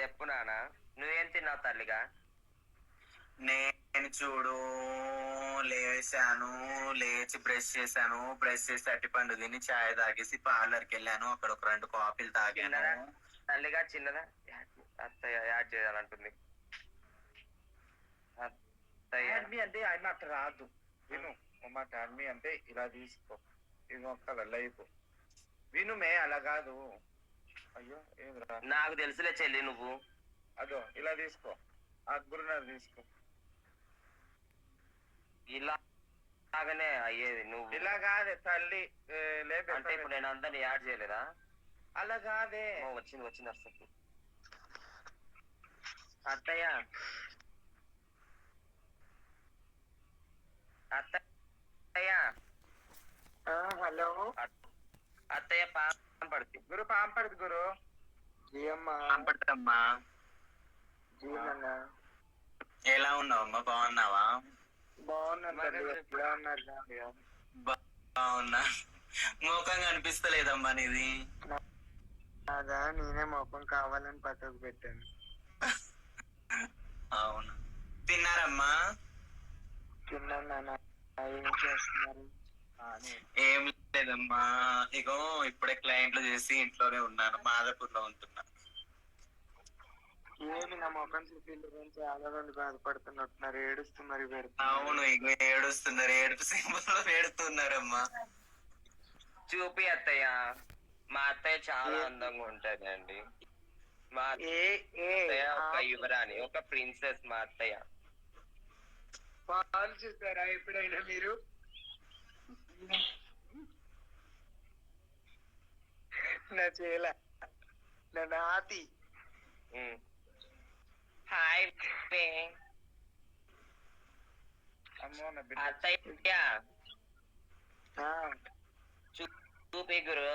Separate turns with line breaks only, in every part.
చెప్పు నాన్న. నువ్వేం తిన్నావు తల్లిగా?
నేను చూడు లేచాను, లేచి బ్రష్ చేశాను, బ్రష్ చేసి అరటిపండు తిని చాయ్ తాగేసి పార్లర్కి వెళ్ళాను. అక్కడ ఒక 2 కాఫీలు తాగాను.
చిన్నదా తల్లిగా? చిన్నదా? అత్తయ్య యాడ్ చేయాలంటుంది. అత్తయ్య
యాడ్మి అంటే ఆయన అట్లా రాదు. విను అమ్మ, యాడ్మి అంటే ఇలా తీసుకో. ఇది ఒక్క లైఫ్ వినుమే, అలా కాదు. అయ్యో ఏం రా,
నాకు తెలుసులే చెల్లి నువ్వు.
అదో ఇలా తీసుకో, అక్బరున్నారు తీసుకో.
ఇలాగనే అయ్యేది నువ్వు.
ఇలా కాదే తల్లి,
అంటే ఇప్పుడు నేను అందరిని యాడ్ చేయలేదా?
అలా కాదే.
వచ్చింది వచ్చింది వస్తుంది. అత్తయ్య అత్తయ్య
హలో
అత్తయ్య పడుతుంది
గురు, పాంపడుది గురు.
పాంపడమ్మా. ఎలా ఉన్నావమ్మా? బాగున్నావా? బాగున్నా. ముఖం కనిపిస్తలేదమ్మా నీది.
అదా నేనే ముఖం కావాలని పక్కకు పెట్టాను.
అవును. తిన్నారమ్మా?
తిన్నాను. ఏం చేస్తున్నారు?
ఏం లేదమ్మా, ఇగో ఇప్పుడే క్లయింట్లు చేసి ఇంట్లోనే ఉన్నాను. మాదాపూర్ లో ఉంటున్నా.
ఏమి నా ముఖం చూపి గురించి చాలా మంది బాధపడుతున్నట్టున్నారు, ఏడుస్తున్నారు.
అవును, ఇగో ఏడుస్తున్నారు, ఏడుపు సింబల్లో ఏడుస్తున్నారమ్మా.
చూపి అత్తయ్య. మా అత్తయ్య చాలా అందంగా ఉంటది అండి. మా అత్తయ్య ఒక యువరాణి, ఒక ప్రిన్సెస్ మా అత్తయ్య.
పాలు చూస్తారా ఎప్పుడైనా మీరు? నా చేల, నా నాతి.
హాయ్
అమ్మో నా బిడ్డ.
అత్తయ్య చూపి గురు.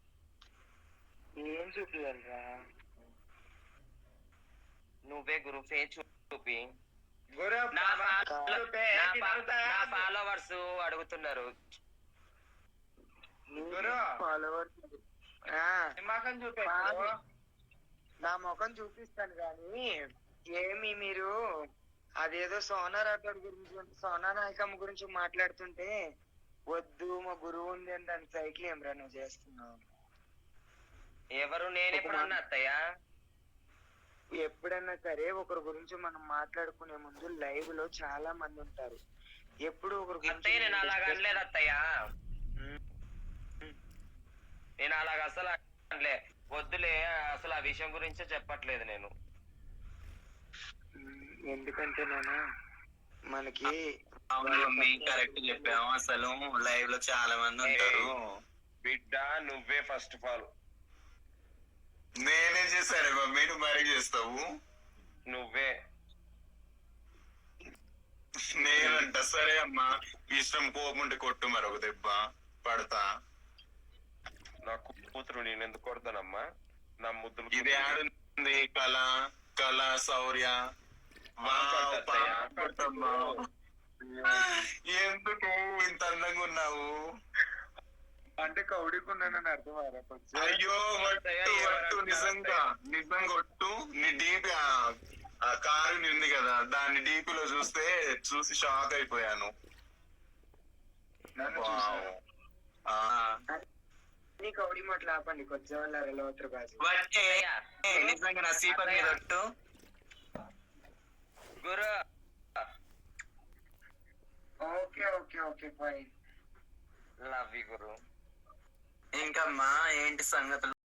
ఏం చూపియాలరా?
నువ్వే గురు, ఫేస్ చూపి.
గురు
నా ఫాలోవర్స్ అడుగుతున్నారు.
గురు ఫాలోవర్స్ ముఖం చూపే. నా ముఖం చూపిస్తాను కానీ ఏమి మీరు అదేదో సోనా రాఠోడ్ గురించి, సోనా నాయకమ్మ గురించి మాట్లాడుతుంటే వద్దు మా గురువు ఉంది అని దాని సైకిల్ ఏమరా నువ్వు చేస్తున్నావు?
ఎవరు? నేను ఎప్పుడన్నా అత్తయ్య?
ఎప్పుడన్నా సరే ఒకరి గురించి మనం మాట్లాడుకునే ముందు లైవ్ లో చాలా మంది ఉంటారు. ఎప్పుడు ఒకరి గురించి
నేను అలాగ అనలేదు అత్తయ్య. నేను అలాగ అసలు అనలే. వద్దులే, అసలు ఆ విషయం గురించే చెప్పట్లేదు నేను.
ఎందుకంటే నేను మనకి
కరెక్ట్ చెప్పాము. అసలు లైవ్ లో చాలా మంది ఉంటారు.
బిడ్డ నువ్వే ఫస్ట్ ఆఫ్ ఆల్.
నేనే చేశాను మమ్మీ, నువ్వు మరీ చేస్తావు.
నువ్వే.
నేనంట సరే అమ్మా, ఇష్టం, కోపం ఉంటే కొట్టు, మరొక దెబ్బ పడతా.
నా కూతురు నేను ఎందుకు కొడతానమ్మా? నా ముద్దులు.
ఇది ఆడుంది కళ, కళ శౌర్య. ఎందుకు ఇంత అందంగా ఉన్నావు?
అంటే కౌడికున్నానని అర్థం.
అయ్యో నిజంగా నిజంగా కొట్టు. నీ డీపీ ఆ కారు ఉంది కదా, దాన్ని డీపీలో చూసి షాక్ అయిపోయాను.
కౌడి మాటలు ఆపండి, కొంచెం
నిజంగా నా సీపర్ మీద కొట్టు
గురు.
Okay okay okay fine.
Love you గురు.
ఇంకమ్మా ఏంటి సంగతులు?